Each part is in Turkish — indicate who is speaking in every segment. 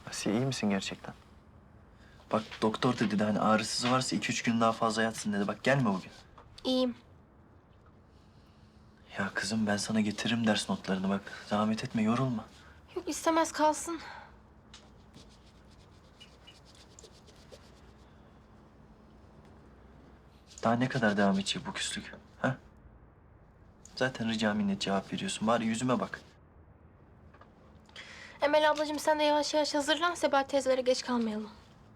Speaker 1: Asiye iyi misin gerçekten? Bak doktor dedi de hani ağrısız varsa 2-3 gün daha fazla yatsın dedi. Bak gelme bugün.
Speaker 2: İyiyim.
Speaker 1: Ya kızım ben sana getiririm ders notlarını bak. Zahmet etme yorulma.
Speaker 2: Yok istemez kalsın.
Speaker 1: Daha ne kadar devam edecek bu küslük? Ha? Zaten rica minnet cevap veriyorsun. Bari yüzüme bak.
Speaker 2: Emel ablacığım sen de yavaş yavaş hazırlan. Sebahat teyzelere geç kalmayalım.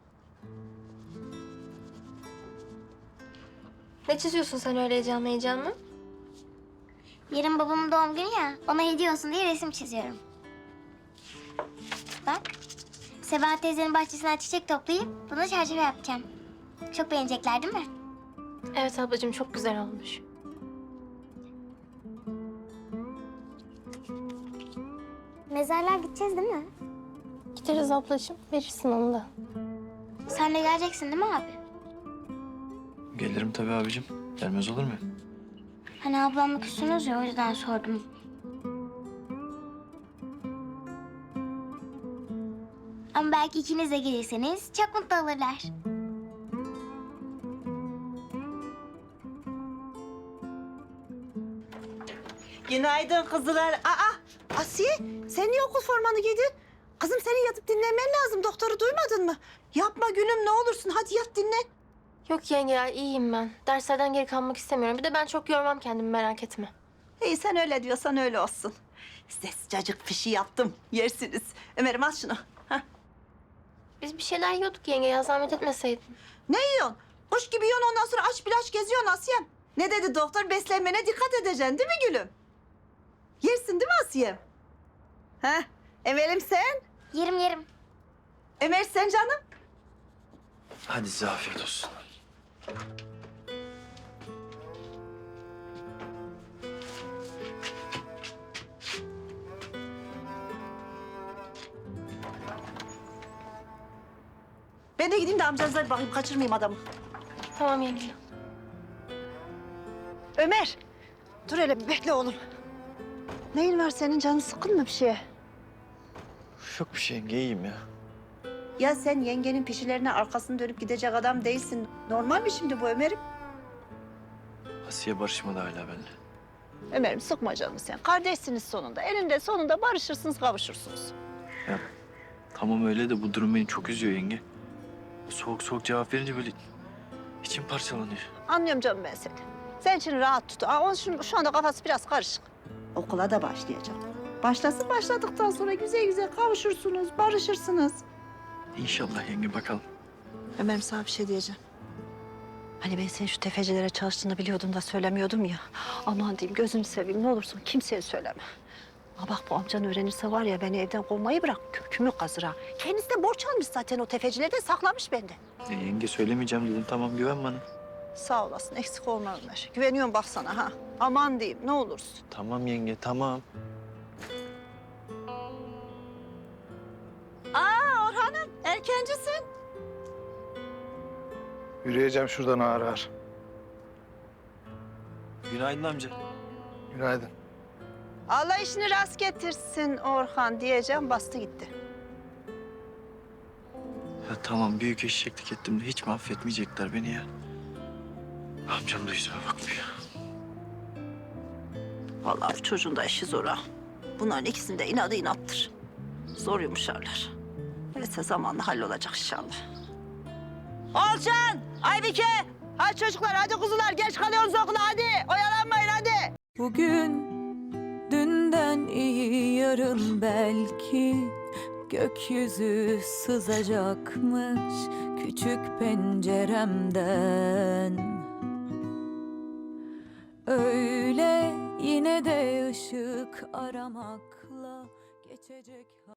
Speaker 2: Ne çiziyorsun sen öyle heyecanlı heyecanlı?
Speaker 3: Yarın babamın doğum günü ya, ona hediye olsun diye resim çiziyorum. Bak, Sebahat teyzenin bahçesinden çiçek toplayıp bunu çerçeve yapacağım. Çok beğenecekler değil mi?
Speaker 2: Evet ablacığım çok güzel olmuş.
Speaker 3: Mezarlığa gideceğiz değil mi?
Speaker 2: Gideriz ablacığım. Verirsin onu da.
Speaker 3: Sen de geleceksin değil mi abi?
Speaker 1: Gelirim tabii abicim. Gelmez olur mu?
Speaker 3: Hani ablamla küstünüz ya, o yüzden sordum. Ama belki ikiniz de gelirseniz çok mutlu olurlar.
Speaker 4: Günaydın kızlar. Asiye, sen niye okul formanı giydin? Kızım senin yatıp dinlenmen lazım. Doktoru duymadın mı? Yapma gülüm ne olursun. Hadi yat dinlen.
Speaker 2: Yok yenge ya iyiyim ben. Derslerden geri kalmak istemiyorum. Bir de ben çok yormam kendimi merak etme.
Speaker 4: İyi sen öyle diyorsan öyle olsun. Size sıcacık pişi yaptım. Yersiniz. Ömer'im al şunu. Hah.
Speaker 2: Biz bir şeyler yiyorduk yenge ya zahmet etmeseydin.
Speaker 4: Ne yiyorsun? Kuş gibi yiyorsun ondan sonra aç bir aç geziyorsun Asiyem. Ne dedi doktor? Beslenmene dikkat edeceksin değil mi gülüm? Yersin değil mi Asiyem? Heh. Emel'im sen?
Speaker 3: Yerim.
Speaker 4: Ömer sen canım?
Speaker 1: Hadi size afiyet olsun.
Speaker 4: Ben de gideyim de amcanıza bir bakayım. Kaçırmayayım adamı.
Speaker 2: Tamam yenge.
Speaker 4: Ömer, dur hele bir bekle oğlum. Neyin var senin? Canın sıkkın mı bir şeye?
Speaker 1: Yok bir şey yenge iyiyim ya.
Speaker 4: Ya sen yengenin pişilerine arkasını dönüp gidecek adam değilsin. Normal mi şimdi bu Ömer'im?
Speaker 1: Asiye barışmadı hala benimle.
Speaker 4: Ömer'im sıkma canını sen. Kardeşsiniz sonunda. Eninde sonunda barışırsınız, kavuşursunuz.
Speaker 1: Ya tamam öyle de bu durum beni çok üzüyor yenge. Soğuk soğuk cevap verince böyle içim parçalanıyor.
Speaker 4: Anlıyorum canım ben seni. Sen için rahat tut. Onun şu anda kafası biraz karışık. Okula da başlayacak. Başlasın başladıktan sonra güzel güzel kavuşursunuz, barışırsınız.
Speaker 1: İnşallah yenge bakalım.
Speaker 4: Ömer'im sana bir şey diyeceğim. Hani ben senin şu tefecilere çalıştığını biliyordum da söylemiyordum ya. Aman diyeyim gözünü seveyim ne olursun kimseye söyleme. Ha bak bu amcan öğrenirse var ya beni evden kovmayı bırak kökümü kazır ha. Kendisi de borç almış zaten o tefecilerden saklamış bende.
Speaker 1: Yenge söylemeyeceğim dedim tamam güven bana.
Speaker 4: Sağ olasın eksik olma Ömer. Güveniyorum bak sana ha. Aman diyeyim ne olursun.
Speaker 1: Tamam yenge tamam.
Speaker 4: Orhan'ım erkencisin.
Speaker 5: Yürüyeceğim şuradan ağır ağır.
Speaker 1: Günaydın amca.
Speaker 5: Günaydın.
Speaker 4: Allah işini rast getirsin Orhan diyeceğim bastı gitti.
Speaker 1: Ya tamam büyük eşeklik ettim de hiç mi affetmeyecekler beni ya? Amcam da yüzüme bakmıyor.
Speaker 4: Vallahi bu çocuğun da işi zor ha. Bunların ikisinin de inadı inattır. Zor yumuşarlar. Neyse zamanla hallolacak inşallah. Olcan, Aybike. Hadi çocuklar, hadi kuzular. Geç kalıyorsunuz okula hadi. Oyalanmayın hadi.
Speaker 6: Bugün dünden iyi yarın belki gökyüzü sızacakmış küçük penceremden. Öyle yine de ışık aramakla geçecek